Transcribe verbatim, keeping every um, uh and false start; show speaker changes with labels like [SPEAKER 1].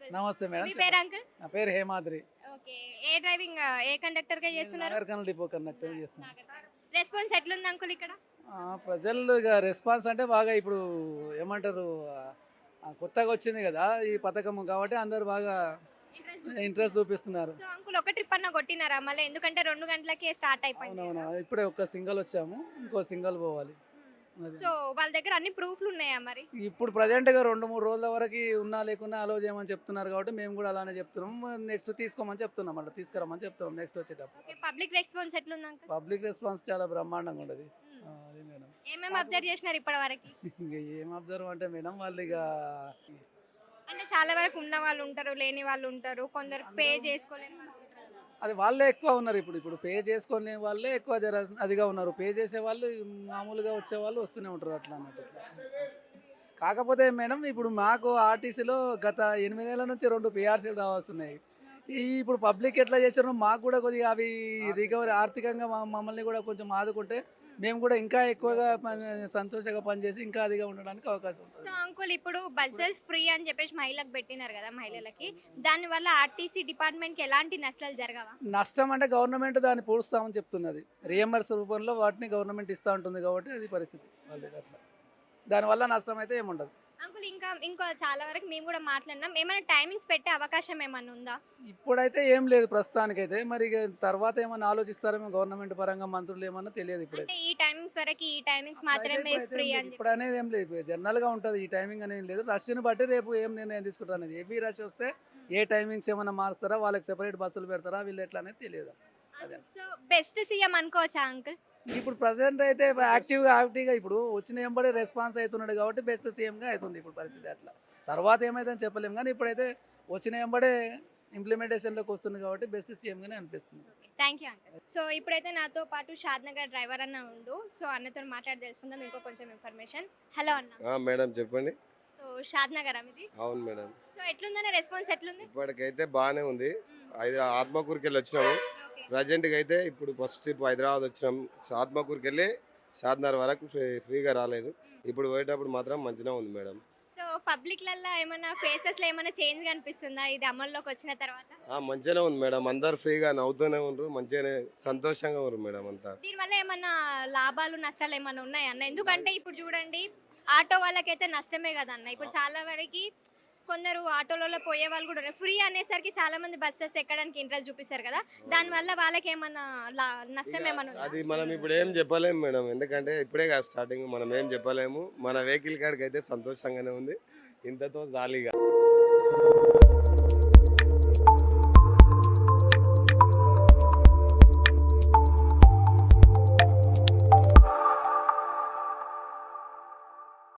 [SPEAKER 1] Uncle.
[SPEAKER 2] నమస్తే madam.
[SPEAKER 1] మీ పేరు uncle?
[SPEAKER 2] నా పేరు హేమాద్రి.
[SPEAKER 1] ఓకే. ఏ డ్రైవింగ్ ఏ కండక్టర్ గా చేస్తున్నారు?
[SPEAKER 2] నాగర్కర్నూల్ డిపో కన్నట్టు చేస్తాను.
[SPEAKER 1] రెస్పాన్స్ ఎట్లుంది అంకుల్ ఇక్కడ?
[SPEAKER 2] ఆ, ప్రజలు ఇక రెస్పాన్స్ అంటే బాగా ఇప్పుడు ఏమంటారు, ఆ, కొత్తగా వచ్చింది కదా ఈ పథకం కాబట్టి అందరు బాగా ఇంట్రెస్ట్ చూపిస్తున్నారు.
[SPEAKER 1] సో అంకుల్ ఒక ట్రిప్ అన్న కొట్టినారా మళ్ళీ? ఎందుకంటే రెండు గంటలకే స్టార్ట్ అయిపోయింది.
[SPEAKER 2] అవునవును, ఇప్పుడే ఒక్క సింగల్ వచ్చాము, ఇంకో సింగల్ పోవాలి. అది.
[SPEAKER 1] సో వాళ్ళ దగ్గర అన్ని ప్రూఫ్లు ఉన్నాయా మరి?
[SPEAKER 2] ఇప్పుడు ప్రజెంట్గా రెండు మూడు రోజుల వరకు ఉన్నా లేకున్నా అలో చేయమని చెప్తున్నారు కాబట్టి మేము కూడా అలానే చెప్తున్నాం. నెక్స్ట్ తీసుకోమని చెప్తున్నాం, అట్లా తీసుకురమ్మని చెప్తున్నాం నెక్స్ట్ వచ్చేటప్పుడు.
[SPEAKER 1] ఓకే. పబ్లిక్ రెస్పాన్స్ ఎట్లుంది అంకుల్?
[SPEAKER 2] పబ్లిక్ రెస్పాన్స్ చాలా బ్రహ్మాండంగా ఉండదు. అది మేడం.
[SPEAKER 1] ఏమేమి అబ్జర్వ్ చేసినారు ఇప్పటి వరకు?
[SPEAKER 2] ఇంకా ఏం అబ్జర్వ్ అంటే మేడం, వాళ్ళు ఇక
[SPEAKER 1] అంటే చాలా వరకు ఉన్న వాళ్ళు ఉంటారు, లేని వాళ్ళు ఉంటారు, కొందరు పే చేసుకోలేని వాళ్ళు ఉంటారు.
[SPEAKER 2] అది వాళ్ళే ఎక్కువ ఉన్నారు. ఇప్పుడు ఇప్పుడు పే చేసుకునే వాళ్ళే ఎక్కువ జర అదిగా ఉన్నారు. పే చేసే వాళ్ళు మామూలుగా వచ్చే వాళ్ళు వస్తూనే ఉంటారు అట్లా అన్నట్టు. కాకపోతే మేడం ఇప్పుడు మాకు ఆర్టీసీలో గత ఎనిమిదేళ్ల నుంచి రెండు పిఆర్సీలు రావాల్సి ఉన్నాయి. ఈ ఇప్పుడు పబ్లిక్ ఎట్లా చేశారో మాకు కూడా కొద్దిగా అవి రికవరీ ఆర్థికంగా మా- మమ్మల్ని కూడా కొంచెం ఆదుకుంటే మేము కూడా ఇంకా ఎక్కువగా పని- సంతోషంగా పనిచేసి ఇంకా అదిగా ఉండడానికి అవకాశం ఉంటుంది.
[SPEAKER 1] సో అంకుల్ ఇప్పుడు బస్సెస్ ఫ్రీ అని చెప్పేసి మహిళలకు పెట్టినారు కదా, మహిళలకి దాని వల్ల ఆర్టీసీ డిపార్ట్మెంట్ కి ఎలాంటి నష్టాలు జరగవా?
[SPEAKER 2] నష్టం అంటే గవర్నమెంట్ దాన్ని పూడుస్తామని చెప్తున్నది. రియంబర్స్ రూపంలో వాటిని గవర్నమెంట్ ఇస్తూ ఉంటుంది కాబట్టి అది పరిస్థితి వాళ్ళది అట్లా. దానివల్ల నష్టం అయితే ఏముండదు.
[SPEAKER 1] అంకుల్ ఇంకా ఇంకో చాలా వరకు మేము కూడా మాట్లాడినాం, ఏమైనా టైమింగ్స్ పెట్టే అవకాశం ఏమైనా ఉందా?
[SPEAKER 2] ఇప్పుడైతే ఏం లేదు ప్రస్తుతానికైతే. మరి ఇక తర్వాత ఏమన్నా ఆలోచిస్తారేమో గవర్నమెంట్ పరంగా మంత్రులు ఏమన్నా తెలియదు ఇప్పుడైతే.
[SPEAKER 1] అంటే ఈ టైమింగ్స్ వరకు ఈ టైమింగ్స్ మాత్రమే ఫ్రీ అని
[SPEAKER 2] ఇప్పుడు అనేది ఏం లేదు, జనరల్ గా ఉంటుంది. ఈ టైమింగ్ అనేది లేదు. రష్ని బట్టి రేపు ఏం నిర్ణయం తీసుకుంటారు అనేది. హెవీ రష్ వస్తే ఏ టైమింగ్స్ ఏమైనా మారుస్తారా, వాళ్ళకి సెపరేట్ బస్సులు పెడతారా, వీళ్ళు ఎట్లా అనేది తెలియదు. అదే.
[SPEAKER 1] సో బెస్ట్ సీఎం అనుకోవచ్చా అంకుల్?
[SPEAKER 2] ఇప్పుడు ప్రజెంట్ అయితే యాక్టివ్గా యాక్టివ్గా ఇప్పుడు వచ్చిన ఎంబడే రెస్పాన్స్ అవుతున్నాడు కాబట్టి బెస్ట్ సీఎంగా అవుతుంది ఇప్పుడు పరిస్థితి. అట్లా తర్వాత ఏమైందని చెప్పలేము, కానీ ఇప్పుడైతే వచ్చిన ఎంబడే ఇంప్లిమెంటేషన్లోకి వస్తుంది కాబట్టి బెస్ట్ సీఎంగానే అనిపిస్తుంది.
[SPEAKER 1] Thank you uncle. సో ఇప్పుడైతే నాతో పాటు షాద్నగర్ డ్రైవర్ అన్న ఉండు. సో అన్నతో మాట్లాడి తెలుసుకుందాం ఇంకో కొంచెం ఇన్ఫర్మేషన్. హలో అన్న.
[SPEAKER 3] ఆ, మేడం చెప్పండి.
[SPEAKER 1] సో షాద్నగర్ ఇది.
[SPEAKER 3] అవును మేడం,
[SPEAKER 1] సో ఎట్లుందన్న రెస్పాన్స్ ఎట్లుంది?
[SPEAKER 3] ఇప్పటికైతే బాగానే ఉంది. హైదరా ఆత్మకూరుకి వెళ్ళి వచ్చినాము.
[SPEAKER 1] ఓకే.
[SPEAKER 3] ప్రజెంట్గా అయితే ఇప్పుడు ఫస్ట్ ట్రిప్ హైదరాబాద్ వచ్చినాం. ఆత్మకూరుకి వెళ్ళి షాద్నగర్ వరకు ఫ్రీ ఫ్రీగా రాలేదు. ఇప్పుడు పోయేటప్పుడు మాత్రం మంచిగా ఉంది మేడం.
[SPEAKER 1] సో పబ్లిక్ లల్లా ఏమైనా ఫేసెస్ లో ఏమైనా చేంజ్ కనిపిస్తుందా ఇది అమల్లోకి వచ్చిన తర్వాత?
[SPEAKER 3] ఆ, మంచిగానే ఉంది మేడం. అందరు ఫ్రీగా నవ్వుతూనే ఉండరు, మంచిగానే సంతోషంగా ఉన్నారు మేడం అంతా.
[SPEAKER 1] దీనివల్ల ఏమన్నా లాభాలు నష్టాలు ఏమైనా ఉన్నాయా అన్న? ఎందుకంటే ఇప్పుడు చూడండి ఆటో వాళ్ళకైతే నష్టమే కదా అన్న. ఇప్పుడు చాలా వరకు కొందరు ఆటోలలో పోయే వాళ్ళు కూడా ఉన్నారు. ఫ్రీ అనేసరికి చాలా మంది బస్సెస్ ఎక్కడానికి ఇంట్రెస్ట్ చూపిస్తారు కదా, దానివల్ల వాళ్ళకి ఏమన్నా లా- నష్టం ఏమన్నా ఉందా?
[SPEAKER 3] అది మనం ఇప్పుడు ఏం చెప్పలేము మేడం, ఎందుకంటే ఇప్పుడే కదా స్టార్టింగ్. మనం ఏం చెప్పలేము. మన వెహికల్ కాడికి అయితే సంతోషంగానే ఉంది, ఇంతతో జాలీగా.